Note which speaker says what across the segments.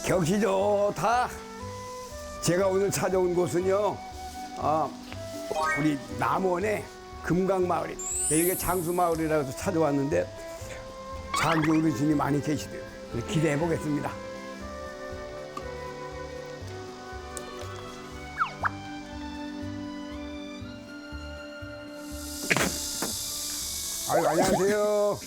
Speaker 1: 경치 좋다. 제가 오늘 찾아온 곳은요, 우리 남원의 금강마을이 여기가 장수마을이라고 해서 찾아왔는데 장수 어르신이 많이 계시대요. 기대해 보겠습니다. 아유, 안녕하세요.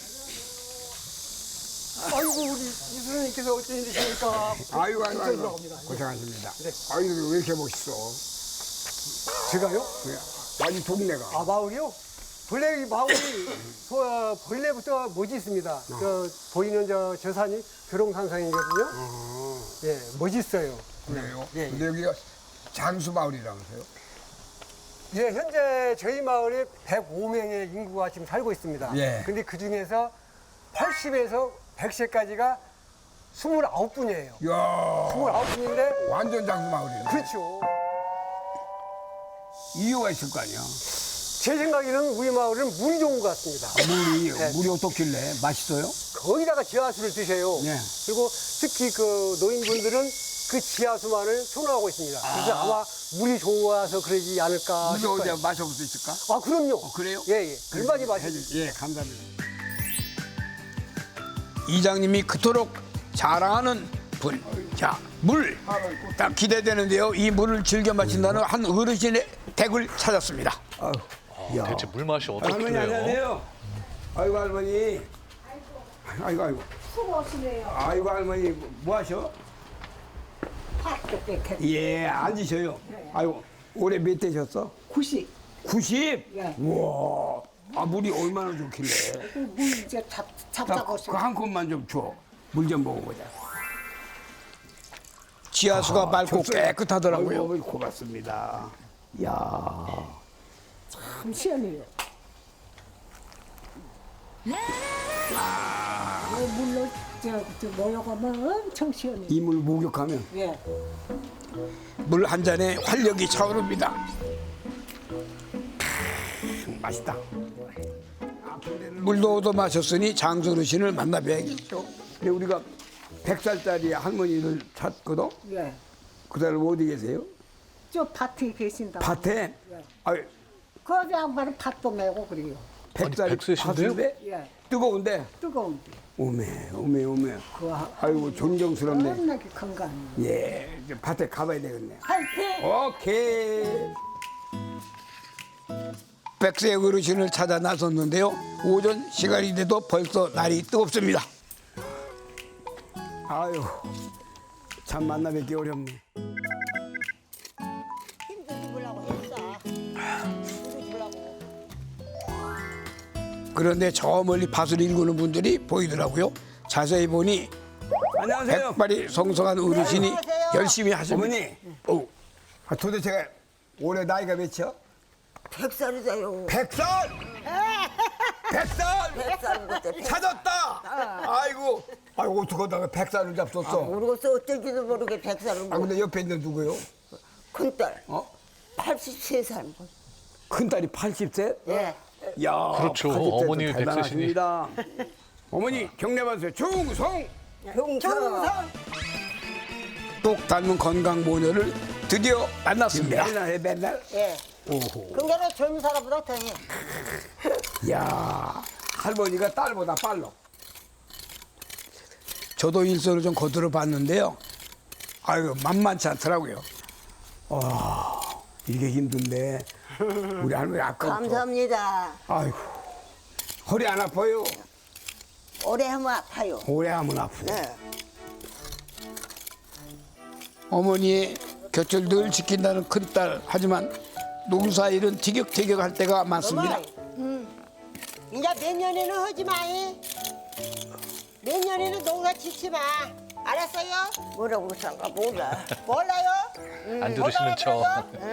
Speaker 2: 아이고 우리 이수님께서 어쩐 일이십니까?
Speaker 1: 아유,
Speaker 2: 들어갑니다.
Speaker 1: 고생하십니다.
Speaker 2: 네.
Speaker 1: 아유, 왜 이렇게 멋있어?
Speaker 2: 제가요?
Speaker 1: 아니, 동네가.
Speaker 2: 아 마을이요? 본래 이 마을이 본래부터 멋이 있습니다. 저 보이는 저 산이 교롱산성이거든요. 예, 멋있어요.
Speaker 1: 그래요?
Speaker 2: 예, 예.
Speaker 1: 근데 여기가 장수마을이라면서요?
Speaker 2: 예, 현재 저희 마을에 105명의 인구가 지금 살고 있습니다.
Speaker 1: 예.
Speaker 2: 근데 그 중에서 80에서 100세까지가 29분이에요.
Speaker 1: 이야,
Speaker 2: 29분인데
Speaker 1: 완전 장수마을이네.
Speaker 2: 그렇죠.
Speaker 1: 이유가 있을 거 아니야.
Speaker 2: 제 생각에는 우리 마을은 물이 좋은 것 같습니다.
Speaker 1: 물이, 물이 어떻길래? 맛있어요?
Speaker 2: 거기다가 지하수를 드셔요.
Speaker 1: 네.
Speaker 2: 그리고 특히 그 노인분들은 그 지하수만을 선호하고 있습니다. 그래서 아마 물이 좋아서 그러지 않을까
Speaker 1: 물이
Speaker 2: 싶어요.
Speaker 1: 어디 마셔볼 수 있을까?
Speaker 2: 아, 그럼요.
Speaker 1: 그래요?
Speaker 2: 예, 예. 얼마나 맛있어요.
Speaker 1: 예, 감사합니다.
Speaker 3: 이장님이 그토록 자랑하는 분. 자, 물. 딱 기대되는데요. 이 물을 즐겨 마신다는 한 어르신의 댁을 찾았습니다.
Speaker 1: 야.
Speaker 4: 대체 물 맛이
Speaker 1: 할머니
Speaker 4: 어떻길래요?
Speaker 1: 안녕하세요. 아이고 할머니. 아이고.
Speaker 5: 수고하시네요.
Speaker 1: 아이고 할머니 뭐 하셔?
Speaker 5: 팥도 뺏겨.
Speaker 1: 예, 앉으셔요. 아이고 올해 몇 되셨어?
Speaker 5: 90.
Speaker 1: 90?
Speaker 5: 예.
Speaker 1: 우와. 아 물이 얼마나 좋길래?
Speaker 5: 물 이제 잡자고
Speaker 1: 그한 컵만 좀 줘. 물 좀 먹어보자.
Speaker 3: 지하수가 맑고
Speaker 1: 좋습니다.
Speaker 3: 깨끗하더라고요.
Speaker 1: 아이고, 고맙습니다. 야.
Speaker 5: 참 시원해요. 물로 저 모여가면 엄청 시원해요.
Speaker 1: 이 물 목욕하면
Speaker 5: 예.
Speaker 3: 물 한 잔에 활력이 차오릅니다.
Speaker 1: 맛있다.
Speaker 3: 물도 얻어 마셨으니 장수 어르신을 만나 뵈야겠죠.
Speaker 1: 근데 우리가 100살짜리 할머니를 찾거든?
Speaker 5: 예.
Speaker 1: 그 사람 어디 계세요?
Speaker 5: 저 밭에 계신다.
Speaker 1: 밭에? 아유,
Speaker 5: 거기 양반은 밭도 메고 그래요.
Speaker 1: 100살
Speaker 4: 100세신데요?
Speaker 1: 밭인데
Speaker 5: 예.
Speaker 1: 뜨거운데
Speaker 5: 뜨거운데.
Speaker 1: 오메.
Speaker 5: 그
Speaker 1: 아이고 존경스럽네.
Speaker 5: 겁나게 건강.
Speaker 1: 예, 이제 밭에 가봐야 되겠네.
Speaker 5: 화이팅!
Speaker 1: 오케이.
Speaker 3: 백세 어르신을 찾아 나섰는데요. 오전 시간이 돼도 벌써 날이 뜨겁습니다.
Speaker 1: 아유, 참 만나 뵙기 어렵네.
Speaker 6: 힘좀 주려고 했어. 힘을 주려고.
Speaker 3: 그런데 저 멀리 밭을 일구는 분들이 보이더라고요. 자세히 보니
Speaker 1: 안녕하세요.
Speaker 3: 백발이 성성한 어르신이
Speaker 6: 안녕하세요.
Speaker 3: 열심히 하십니다.
Speaker 1: 어머니. 도대체 올해 나이가 몇이요?
Speaker 6: 100살이세요.
Speaker 1: 100살! 100살!
Speaker 6: 100살인 것도
Speaker 1: 찾았다! 아이고, 어떡하다가 100살을 잡섰어.
Speaker 6: 모르겠어. 어쩔지도 모르게 100살은
Speaker 1: 아, 근데 옆에 있는 누구요?
Speaker 6: 큰딸.
Speaker 1: 어?
Speaker 6: 83살.
Speaker 1: 큰딸이 80세?
Speaker 6: 예.
Speaker 1: 야,
Speaker 4: 그렇죠.
Speaker 1: 80세 도
Speaker 4: 어머님이
Speaker 1: 대단하십니다. 어머니 경례 받으세요. 충성!
Speaker 6: 경성.
Speaker 1: 똑
Speaker 3: 닮은 건강 모녀를 드디어 만났습니다.
Speaker 1: 맨날 해, 맨날.
Speaker 6: 예.
Speaker 1: 오호.
Speaker 6: 근데는 젊은 사람보다 더 해.
Speaker 1: 야, 할머니가 딸보다 빨라.
Speaker 3: 저도 일선을 좀 거들어 봤는데요. 아유 만만치 않더라고요.
Speaker 1: 이게 힘든데 우리 할머니 아까부터.
Speaker 6: 감사합니다.
Speaker 1: 아이고, 허리 안 아파요.
Speaker 6: 오래 하면 아파요.
Speaker 1: 오래 하면 아프고.
Speaker 6: 네.
Speaker 3: 어머니의 곁을 늘 지킨다는 큰딸. 하지만 농사일은 티격태격할 때가 많습니다.
Speaker 6: 이제 내년에는 하지 마. 내년에는 농사 짓지 마. 알았어요? 뭐라고 그러는가 몰라. 몰라요?
Speaker 4: 안 들으시는 척.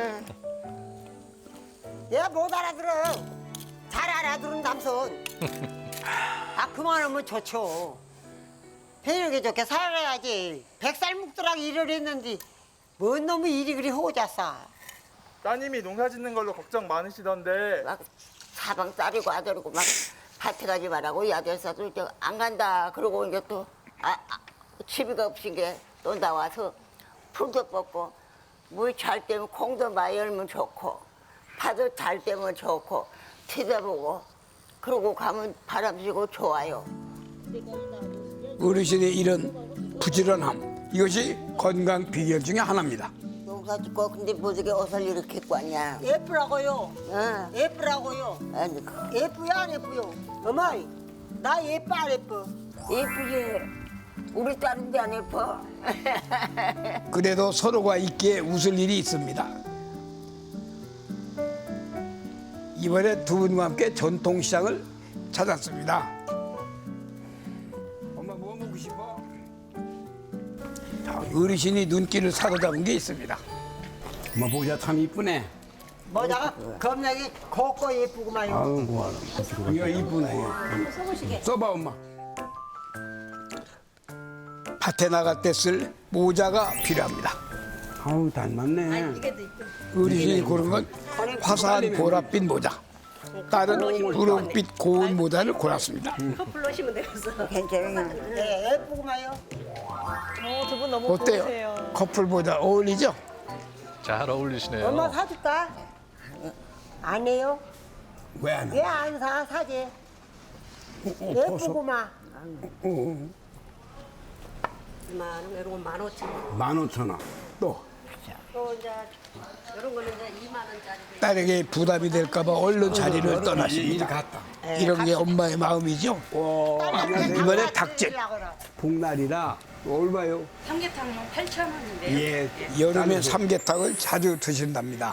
Speaker 6: 얘가 못 알아들어. 잘 알아들은 남선. 아 그만하면 좋죠. 편하게 좋게 살아야지. 100살 묵더라고 일을 했는데 뭔 놈의 일이 그리 호자싸.
Speaker 7: 따님이 농사 짓는 걸로 걱정 많으시던데
Speaker 6: 막 사방 따리고 아들이고 막 밭에 가지 말라고 이 아들 사도 안 간다. 그러고 이제 또 치비가 없인 게
Speaker 8: 또 나와서 풀도 뽑고 물 잘 때면 콩도 많이 열면 좋고 파도 잘 때면 좋고 쳐다보고 그러고 가면 바람 쐬고 좋아요.
Speaker 3: 어르신의 이런 부지런함 이것이 건강 비결 중에 하나입니다.
Speaker 8: 농사 짓고 근데 뭐저게 옷을 이렇게 입고 왔냐?
Speaker 6: 예쁘라고요.
Speaker 8: 응.
Speaker 6: 예쁘라고요.
Speaker 8: 아니
Speaker 6: 예쁘요 안 예쁘요? 어머니 나 예뻐 안 예뻐?
Speaker 8: 예쁘지. 우리 딸인데 안 예뻐.
Speaker 3: 그래도 서로가 있기에 웃을 일이 있습니다. 이번에 두 분과 함께 전통시장을 찾았습니다. 엄마 뭐 먹고 싶어? 자, 어르신이 눈길을 사로잡은 게 있습니다.
Speaker 1: 엄마 모자 참 이쁘네.
Speaker 6: 뭐다가 겁나게 곱고 예쁘구만요.
Speaker 1: 아우 고마워. 이거 이쁘네. 이거. 써봐 엄마.
Speaker 3: 밭에 나갈 때 쓸 모자가 필요합니다.
Speaker 1: 아우 닮았네.
Speaker 3: 어르신이 고른 건 화사한 보랏빛 모자. 딸은 누룩빛 고운 모자를 골랐습니다.
Speaker 8: 괜찮아요.
Speaker 6: 네, 예쁘구만요.
Speaker 9: 두 분 너무
Speaker 3: 어때요?
Speaker 9: 좋으세요.
Speaker 3: 커플 모자 어울리죠?
Speaker 4: 잘 어울리시네요.
Speaker 6: 엄마 사줄까? 안 해요?
Speaker 1: 왜 안 해?
Speaker 6: 왜 안 사? 사지. 예쁘구만.
Speaker 1: 15,000원. 또
Speaker 3: 딸에게 부담이 될까봐 얼른 자리를 떠나십니다.
Speaker 1: 갔다.
Speaker 3: 이런 게 엄마의 마음이죠. 이번에 닭집.
Speaker 1: 복날이라 얼마요?
Speaker 10: 삼계탕은 8,000원인데요.
Speaker 1: 예.
Speaker 3: 여름에 삼계탕을 자주 드신답니다.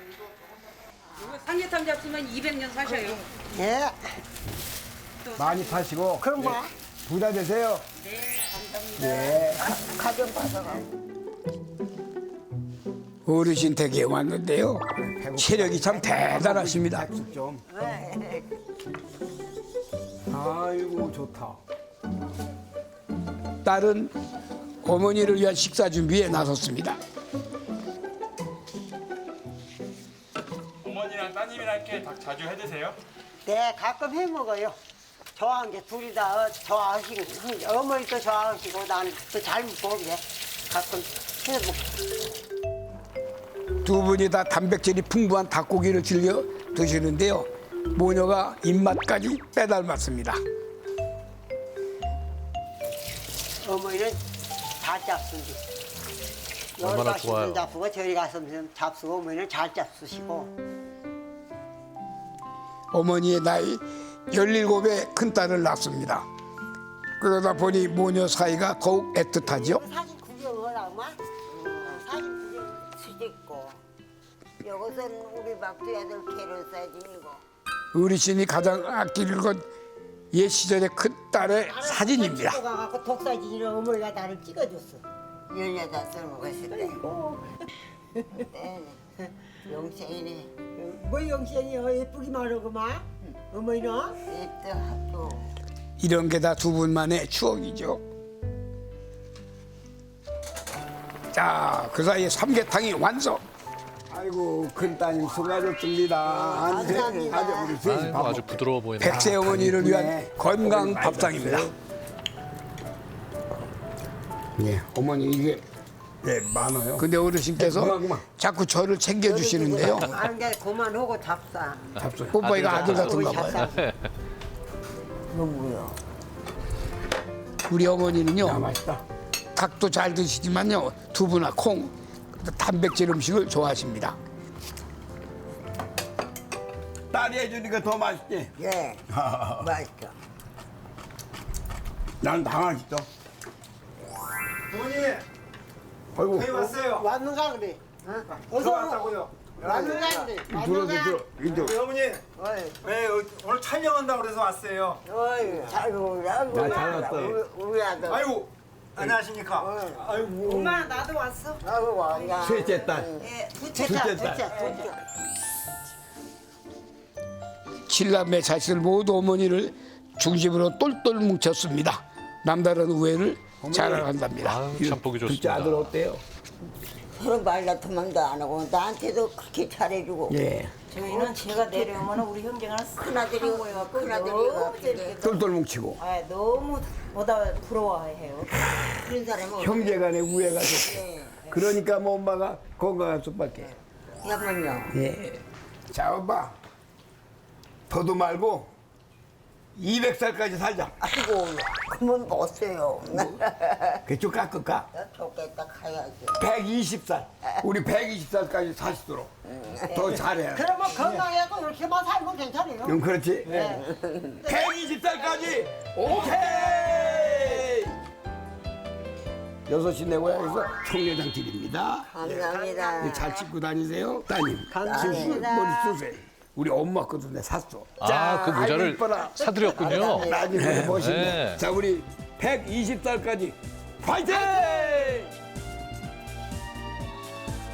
Speaker 10: 삼계탕 잡수면 200년 사셔요.
Speaker 6: 예.
Speaker 1: 많이 파시고
Speaker 6: 그럼 뭐?
Speaker 1: 부자 되세요.
Speaker 8: 가정 봐서 가.
Speaker 3: 어르신 댁에 왔는데요. 체력이 참 대단하십니다.
Speaker 1: 좀. 아이고 좋다.
Speaker 3: 딸은 어머니를 위한 식사 준비에 나섰습니다.
Speaker 7: 어머니랑 따님이랑 이렇게 닭 자주 해 드세요?
Speaker 6: 네, 가끔 해 먹어요. 좋아하는 게 둘이 다 좋아하시고, 어머니도 좋아하시고, 나는 또 잘 먹게 가끔 해 먹고.
Speaker 3: 두 분이 다 단백질이 풍부한 닭고기를 즐겨 드시는데요. 모녀가 입맛까지 빼닮았습니다.
Speaker 6: 어머니는 잘 잡수지.
Speaker 4: 얼마나 좋아요.
Speaker 6: 잡수고 저리 가서 잡수고 어머니는 잘 잡수시고.
Speaker 3: 어머니의 나이 17의 큰딸을 낳습니다. 그러다 보니 모녀 사이가 더욱 애틋하죠.
Speaker 6: 사진 구경을 하마? 사진 구경.
Speaker 8: 수직고 여기서는 우리 막두 애들 개를 사진이고
Speaker 3: 어르신이 가장 아끼는 건 옛 시절의 큰딸의 사진입니다.
Speaker 6: 찍어가고 독사진을 어머니가 나를 찍어줬어.
Speaker 8: 18살 먹었을 때 네, 영생이네.
Speaker 6: 뭐 영생이요? 예쁘기만 하구만. 어머니는?
Speaker 8: 입도 학교
Speaker 3: 이런 게 다 두 분만의 추억이죠. 자, 그 사이에 삼계탕이 완성.
Speaker 1: 아이고 큰 따님 수고하셨습니다.
Speaker 6: 감사합니다.
Speaker 1: 아주 우리 셋이
Speaker 4: 아이고,
Speaker 1: 밥
Speaker 4: 아주 부드러워 보이네요.
Speaker 3: 백세 어머니를 위한
Speaker 1: 이쁘네.
Speaker 3: 건강 밥상입니다.
Speaker 1: 예, 어머니 이게 예 많아요.
Speaker 3: 근데 어르신께서
Speaker 1: 그만.
Speaker 3: 자꾸 저를 챙겨주시는데요.
Speaker 6: 아는 게 그만하고 잡사.
Speaker 1: 잡숴요.
Speaker 3: 뽀뽀이가 아들 같은가
Speaker 6: 우리
Speaker 3: 봐요.
Speaker 6: 잡사.
Speaker 8: 누구요?
Speaker 3: 우리 어머니는요.
Speaker 1: 야 맛있다.
Speaker 3: 닭도 잘 드시지만요. 두부나 콩, 단백질 음식을 좋아하십니다.
Speaker 1: 딸이 해주니까 더 맛있지.
Speaker 8: 예 맛있어.
Speaker 1: 난 다 맛있어.
Speaker 7: 어머니
Speaker 1: 아이고
Speaker 7: 저희 왔어요.
Speaker 6: 왔는가 그래?
Speaker 7: 저 왔다고요.
Speaker 6: 왔는가 그래?
Speaker 1: 들어 이쪽.
Speaker 7: 우리 어머니 네, 오늘 촬영한다고 그래서 왔어요.
Speaker 8: 어이 잘 오라고.
Speaker 1: 나 잘 왔어.
Speaker 8: 우리 아들.
Speaker 7: 아이고 안녕하십니까. 아이고
Speaker 9: 엄마 나도 왔어.
Speaker 8: 아이고 와야.
Speaker 1: 셋째 딸.
Speaker 6: 둘째
Speaker 1: 둘째
Speaker 6: 둘째.
Speaker 3: 칠남매 자식들 모두 어머니를 중심으로 똘똘 뭉쳤습니다. 남다른 우애를 자랑한답니다.
Speaker 4: 아유, 참 보기
Speaker 1: 둘째
Speaker 4: 좋습니다.
Speaker 1: 아들 어때요?
Speaker 8: 서로 말 같으면 안 하고 나한테도 그렇게 잘해주고.
Speaker 1: 예.
Speaker 9: 저희는 제가 내려오면 우리 형제가
Speaker 8: 큰아들이 큰아들이 재밌게
Speaker 1: 똘똘 뭉치고
Speaker 9: 너무 보다 부러워해요.
Speaker 8: 그런 사람은
Speaker 1: 형제간에 우애가 좋고. 그러니까 뭐 엄마가 건강할 수밖에.
Speaker 8: 야만요.
Speaker 1: 예. 자, 엄마. 더도 말고 200살까지 살자.
Speaker 8: 아이고 그러면 못 써요.
Speaker 1: 그쪽 깎을까?
Speaker 8: 좋겠다 가야지.
Speaker 1: 120살. 우리 120살까지 사시도록 더 잘해.
Speaker 6: 그러면 건강해도 이렇게만 살면 괜찮아요.
Speaker 1: 그렇지. 120살까지 오케이. 6시 내 고향에서 총회장 드립니다.
Speaker 8: 감사합니다.
Speaker 1: 예, 잘 찍고 다니세요. 따님.
Speaker 2: 감사합니다.
Speaker 1: 머리 쓰세요. 우리 엄마 것도 내 샀어.
Speaker 4: 아, 그 모자를
Speaker 1: 아이고, 이뻐라.
Speaker 4: 사드렸군요.
Speaker 1: 따님 멋있네.
Speaker 4: 네.
Speaker 1: 자, 우리 120살까지 파이팅!